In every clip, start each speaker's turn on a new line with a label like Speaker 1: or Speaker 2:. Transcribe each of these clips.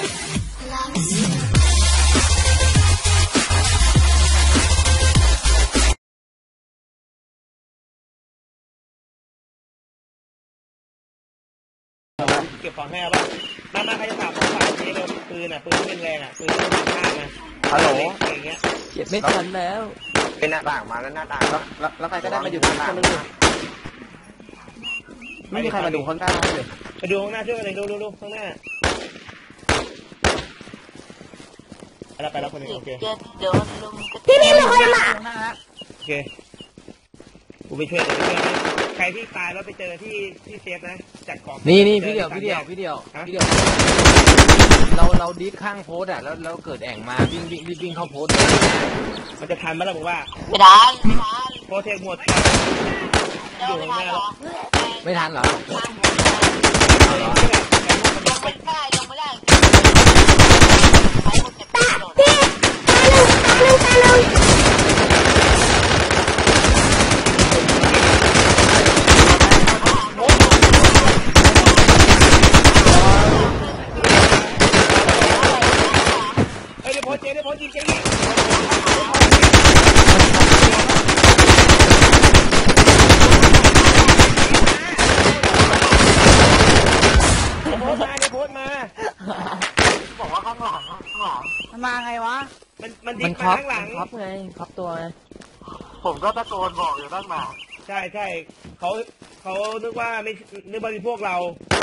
Speaker 1: เก็บของให้ป่ะมาใครจะฝากของฝากนี้เลยปืนปืนเป็นแรงปืนเป็นข้างนะฮัลโหลอย่างเงี้ย
Speaker 2: เก็บไม่ทันแล้ว
Speaker 1: เป็นหน้าต่างมาแล้วหน้าต่าง
Speaker 2: แล้วใครก็ได้มาอยู่ตรงนั้นเลยไม่มีใครมาดูข้างหน้าเลย
Speaker 1: มาดูข้างหน้าช่วยกันเลยดูข้างหน้าไปแล้วคนนึงโอเค
Speaker 3: พี่ไม่มีคนมา
Speaker 1: โอเคกูไปช่วยใครที่ตายแล้วไปเจอที่เซฟนะจัดของ
Speaker 2: นี่พี่เดียวเราดิสข้างโพสแล้วเกิดแอ่งมาวิ่งเข้าโพส
Speaker 1: มันจะทันไหมล่ะบอกว่า
Speaker 3: ไม่ทัน
Speaker 1: โพสเทคหมดอยู่ข้างหน้าแล้ว
Speaker 2: ไม่ทันเหรอ
Speaker 3: มาไงวะ
Speaker 1: มันดิ้นมาข้างหลัง
Speaker 2: ครับไงครับตัวไง
Speaker 4: ผมก็ตะโกนบอกอยู่ตั้งนาน
Speaker 1: ใช่เขานึกว่าไม่นึกว่ามีพวกเรา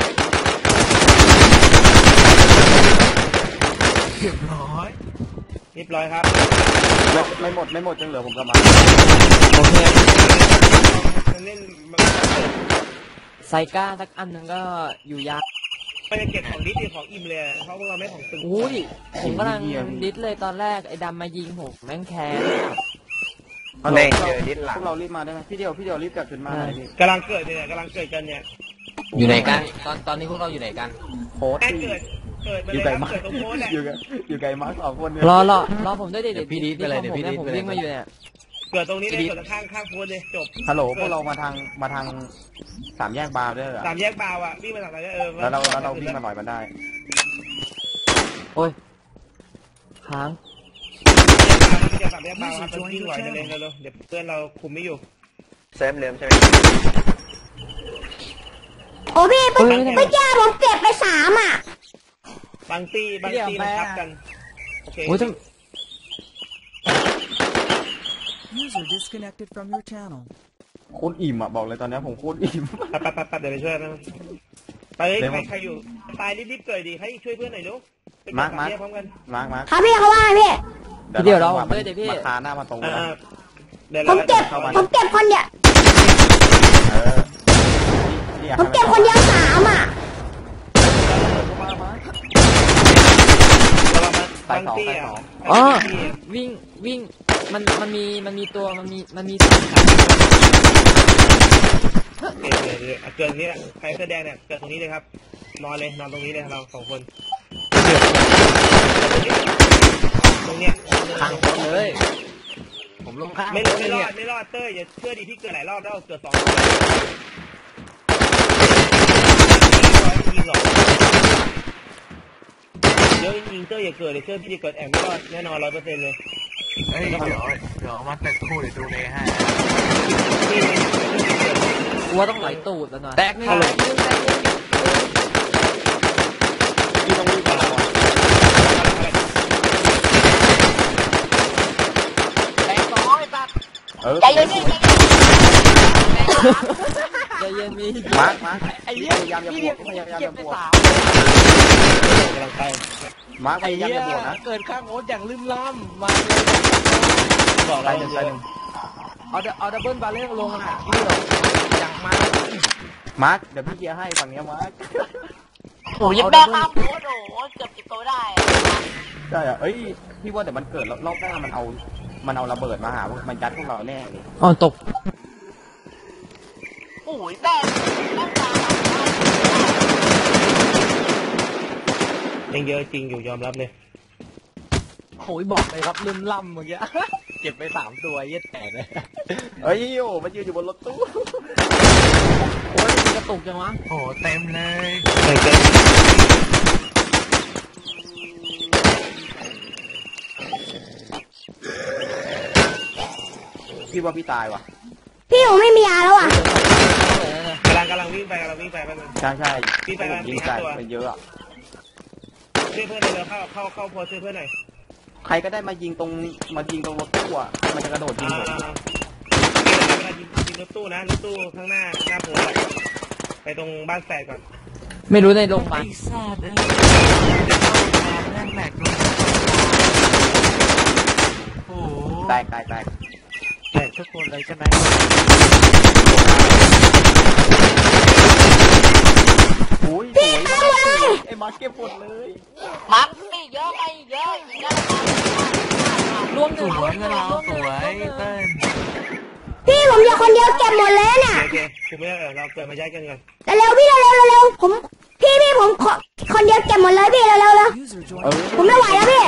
Speaker 4: เรียบร้
Speaker 1: อยครับ
Speaker 2: ไม่หมดจังเหลือผมกลับมาโอเค
Speaker 1: เล่น
Speaker 2: ไซก้าสักอันนึงก็อยู่ยาก
Speaker 1: ไปเก็บของดิสของอิ่มเลยเพราะเราไม่ของตึง
Speaker 2: อุ้ยผมกำลังดิสเลยตอนแรกไอ้ดำมายิงผมแม่งแค้น
Speaker 1: แม่งเจอดิสหลัง
Speaker 2: พวกเรารีบมาได้ไหมพี่เดียวรีบกลับขึ้นมาก
Speaker 1: ำลังเกิดกันเนี่ย
Speaker 2: อยู่ไหนกันตอนนี้พวกเราอยู่ไหนกัน
Speaker 1: โพสอยู่ไกลมาก
Speaker 2: อยู่ไกลมาก2 คนรอผมด้วยเดี๋ยวพี่ดิสไปเลยเดี๋ยวพี่ดิสผมวิ่งมาอยู่เนี่ย
Speaker 1: เกิดตรงนี้เลยเกิดข้างโพสเลยจบ
Speaker 2: ฮัลโหลพวกเรามาทาง3 แยกบาวด้วยเหรอ
Speaker 1: 3 แยกบาววิ่งมาทางไหน
Speaker 2: แล้วเราวิ่งมาหน่อยมันได้โอ้ยค้าง
Speaker 1: จะ3 แยกบาววิ่งไหวเลยเร็วเดี๋ยวเพื่อนเราคุมไม่อยู่เซฟเร็วใช่ไหม
Speaker 3: โอ้พี่เมื่อกี้ผมเก็บไป3
Speaker 1: บางตีมันทับกันโอเค
Speaker 5: User disconnected from your channel
Speaker 2: โคตรอิ่มบอกเลยตอนนี้ผมโคตรอิ่ม
Speaker 1: ไปเดี๋ยวไปช่วยนะไปใครอยู่ตายรีบเกิดดีให้ช่วยเพื่อนหน่อยลูก
Speaker 2: มา
Speaker 1: พร้อมกัน
Speaker 3: มาครับพี่เขาว่าพี่
Speaker 2: เดี๋ยวเราเดี๋ยวพี่มาคาหน้ามาตรง
Speaker 3: ผมเก็บคนเดียวผมเก็บคนเดียว3
Speaker 2: บางตีวิ่งมันมีตัวมันมี
Speaker 1: เกิดนี้ใครแสดงเนี่ยเกิดตรงนี้เลยครับนอนตรงนี้เลยเรา2 คนตรงเนี้ย
Speaker 2: ข้างเลยผมลงข้าง
Speaker 1: ไม่รอดเต้ยอย่าเชื่อดีพี่เกิดหลายรอบแล้วเกิด2 ยิงหรอกเดี๋ยวยิงเต้ยอย่าเกิดเลยเชื่อพี่เกิดแอมไม่รอดแน่นอน100%เลย
Speaker 4: เฮ้ยเดี๋ยวมาแตกคู่เดี๋ยวดูเลยให้
Speaker 2: ว่าต้องไหลตูดแล้วหน่อยแตกนี่
Speaker 1: พี่ต้องรีบมา
Speaker 3: แตก2ตัดใจเย็น
Speaker 2: มี
Speaker 1: มา
Speaker 2: ไอ้เหี้ยพยายามจะบวก
Speaker 1: กำลังไป
Speaker 2: มาพยายามจะบวกนะเกิดข้างโอ๊ตอย่างลืมล้ำมา
Speaker 1: บอกอะไรหนึ่ง
Speaker 2: เอาดับเบิลบาเล่ลงอ่ะพี่หรออย่างมาร์คเดี๋ยวพี่เคลียร์ให้ฝั่งนี้มาร์ค
Speaker 3: โอ้ยแม่ข้าวโอ๊ตเกือบ10 ตัวได้
Speaker 2: ใช่อ่ะเอ้ยพี่ว่าแต่มันเกิดรอบหน้ามันเอาระเบิดมาหามันยัดพวกเราแน่เลยอ๋อตก
Speaker 3: โอ้ยแม่
Speaker 1: ยังเยอะจริงอยู่ยอมรับเลย
Speaker 2: โอ้ยบอกเลยครับลืมล่ำเมื่อกี้เก็บไป3 ตัวเย็ดแตกเลยเฮ้ยโอ้มันยืนอยู่บนรถตู้โอ้ยกระตุกจังวะ
Speaker 4: โอ้เต็มเลย
Speaker 2: พี่ว่าพี่ตายว่ะ
Speaker 6: พี่ผมไม่มียาแล้วอ่ะ
Speaker 1: กำลังวิ่งไปแป๊บนึง
Speaker 2: ใช่ใช่
Speaker 1: พี่ไป
Speaker 2: ผมยิงใส่ไปเยอะอะ
Speaker 1: ช่วยเพื่อนเลยเข้าโพสช่วยเพื่อนหน่อย
Speaker 2: ใครก็ได้มายิงตรงรถตู้อะมันจะกระโดดยิงผม
Speaker 1: เวลายิงรถตู้นะรถตู้ข้างหน้าโพสไปตรงบ้านแฝดก่อน
Speaker 2: ไม่รู้ในโรงพยาบาล
Speaker 4: ไอ้สัตว์แม่งแหลกเลยโอ้โห
Speaker 2: แตก
Speaker 4: แหลกทุกคนเลยใช่ไหม
Speaker 2: โอ้ยสวยมากไอ้มาร์คเก็บหมดเลย
Speaker 3: มันไม่เยอะไม่เยอะอีกแล้ว
Speaker 4: รวมสวยเงินเราสวยเต้น
Speaker 6: พี่ผมอยู่คนเดียวเก็บหมดเลยน่ะ
Speaker 1: โอเคคือไม่เราเกิดมาย้ายกันก่อน
Speaker 6: เร็วๆพี่เร็วผมพี่ผมคนเดียวเก็บหมดเลยพี่เร็ว
Speaker 5: User
Speaker 2: เออ
Speaker 5: joined.
Speaker 6: ผมไม่ไหวแล้วพี่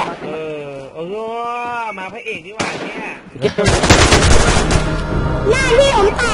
Speaker 1: มาพระเอกดีกว่าเนี่ย
Speaker 6: หน้าพี่ผมแต